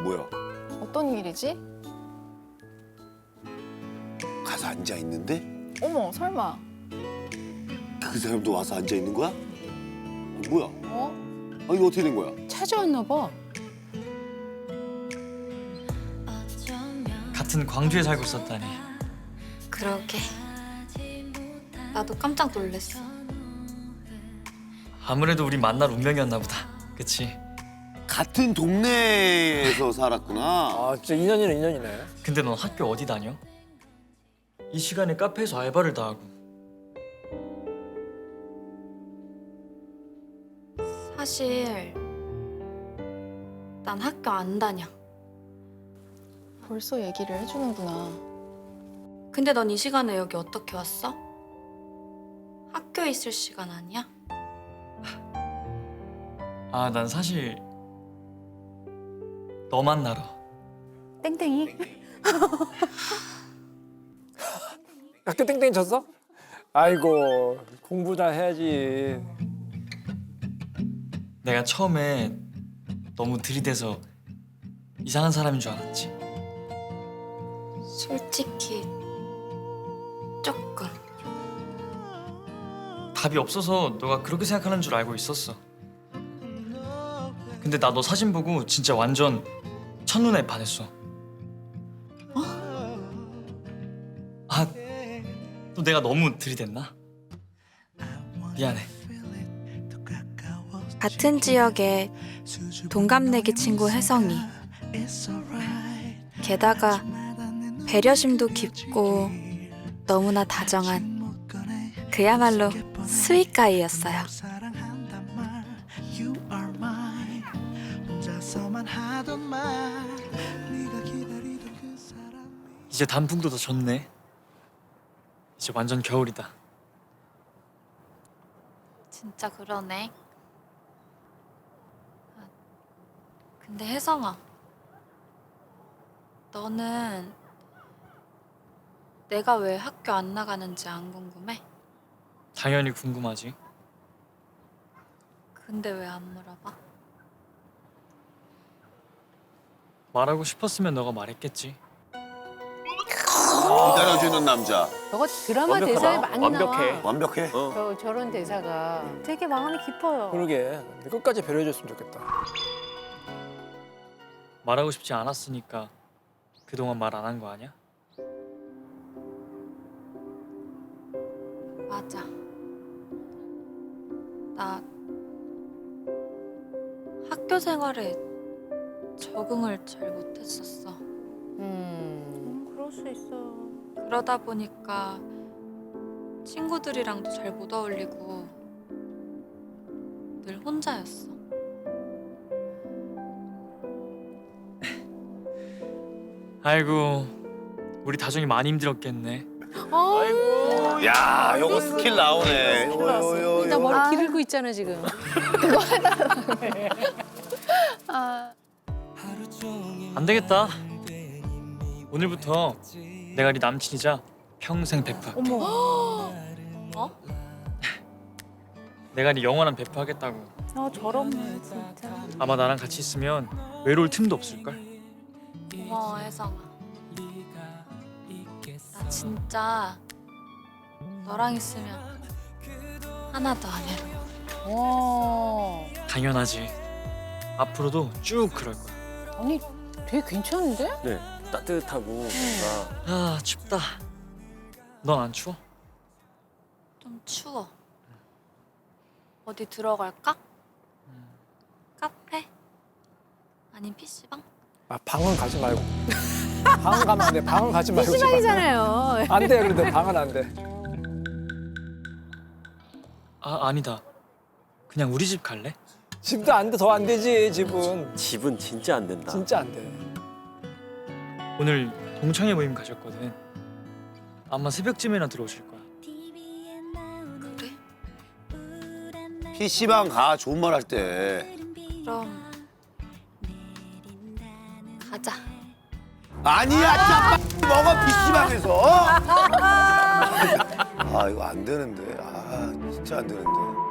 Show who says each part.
Speaker 1: 뭐야?
Speaker 2: 어떤 일이지?
Speaker 1: 가서 앉아 있는데
Speaker 2: 어머, 설마.
Speaker 1: 그 사람도 와서 앉아 있는 거야? 뭐야? 아 이거 어떻게 된 거야?
Speaker 3: 찾아왔나 봐.
Speaker 4: 같은 광주에 살고 있었다니.
Speaker 5: 그러게. 나도 깜짝 놀랐어.
Speaker 4: 아무래도 우리 만날 운명이었나 보다. 그치?
Speaker 1: 같은 동네에서 살았구나.
Speaker 6: 아 진짜 인연이네 인연이네.
Speaker 4: 근데 넌 학교 어디 다녀? 이 시간에 카페에서 알바를 다 하고.
Speaker 5: 사실 난 학교 안 다녀.
Speaker 2: 벌써 얘기를 해주는구나.
Speaker 5: 근데 넌 이 시간에 여기 어떻게 왔어? 학교에 있을 시간 아니야?
Speaker 4: 아, 난 사실 너 만나러.
Speaker 3: 땡땡이.
Speaker 6: 학교 땡땡이 쳤어? 아이고 공부 다 해야지.
Speaker 4: 내가 처음에 너무 들이대서 이상한 사람인 줄 알았지.
Speaker 5: 솔직히 조금.
Speaker 4: 답이 없어서 너가 그렇게 생각하는 줄 알고 있었어. 근데 나 너 사진 보고 진짜 완전 첫눈에 반했어. 아, 또 내가 너무 들이댔나? 미안해.
Speaker 5: 같은 지역에 동갑내기 친구 혜성이. 게다가 배려심도 깊고 너무나 다정한 그야말로 스윗가이였어요.
Speaker 4: 이제 단풍도 더 졌네. 이제 완전 겨울이다.
Speaker 5: 진짜 그러네. 아, 근데 혜성아, 너는 내가 왜 학교 안 나가는지 안 궁금해?
Speaker 4: 당연히 궁금하지.
Speaker 5: 근데 왜 안 물어봐?
Speaker 4: 말하고 싶었으면 너가 말했겠지.
Speaker 1: 기다려주는 남자.
Speaker 3: 저거 드라마
Speaker 6: 완벽하다.
Speaker 3: 대사에 많이
Speaker 6: 완벽해.
Speaker 3: 나와.
Speaker 1: 완벽해.
Speaker 3: 저런 대사가 되게 마음이 깊어요.
Speaker 6: 그러게. 근데 끝까지 배려해줬으면 좋겠다.
Speaker 4: 말하고 싶지 않았으니까 그동안 말 안 한 거 아니야?
Speaker 5: 맞아. 나 학교 생활에 적응을 잘 못했었어.
Speaker 3: 그럴 수 있어.
Speaker 5: 그러다 보니까 친구들이랑도 잘 못 어울리고 늘 혼자였어.
Speaker 4: 아이고, 우리 다정이 많이 힘들었겠네.
Speaker 3: 아이고.
Speaker 1: 야, 요거 스킬 나오네.
Speaker 3: 나 머리 기르고 있잖아 지금.
Speaker 4: 안 되겠다. 오늘부터 내가 네 남친이자 평생 베프할게.
Speaker 3: 어머.
Speaker 5: 어?
Speaker 4: 내가 네 영원한 베프하겠다고.
Speaker 3: 저런 진짜.
Speaker 4: 아마 나랑 같이 있으면 외로울 틈도 없을걸?
Speaker 5: 고마워 혜성아. 나 진짜 너랑 있으면 하나도 안 외로워.
Speaker 3: 와.
Speaker 4: 당연하지. 앞으로도 쭉 그럴 거야.
Speaker 3: 아니 되게 괜찮은데?
Speaker 7: 네, 따뜻하고 뭔가
Speaker 4: 아, 춥다. 넌 안 추워?
Speaker 5: 좀 추워. 어디 들어갈까? 카페? 아님 PC방?
Speaker 6: 아 방은 가지 말고. 방은 가면 안 돼. 방은 가지 말고.
Speaker 3: PC방이잖아요.
Speaker 6: 안 돼. 그런데 방은 안 돼.
Speaker 4: 아, 아니다. 그냥 우리 집 갈래?
Speaker 6: 집도 안 돼. 더 안 되지 집은.
Speaker 7: 집은 진짜 안 된다.
Speaker 6: 진짜 안 돼.
Speaker 4: 오늘 동창회 모임 가셨거든. 아마 새벽쯤이나 들어오실 거야.
Speaker 5: 그래?
Speaker 1: PC방 가, 좋은 말 할 때.
Speaker 5: 그럼 가자.
Speaker 1: 아니야, 진짜 먹어, PC방에서. 아, 이거 안 되는데. 아, 진짜 안 되는데.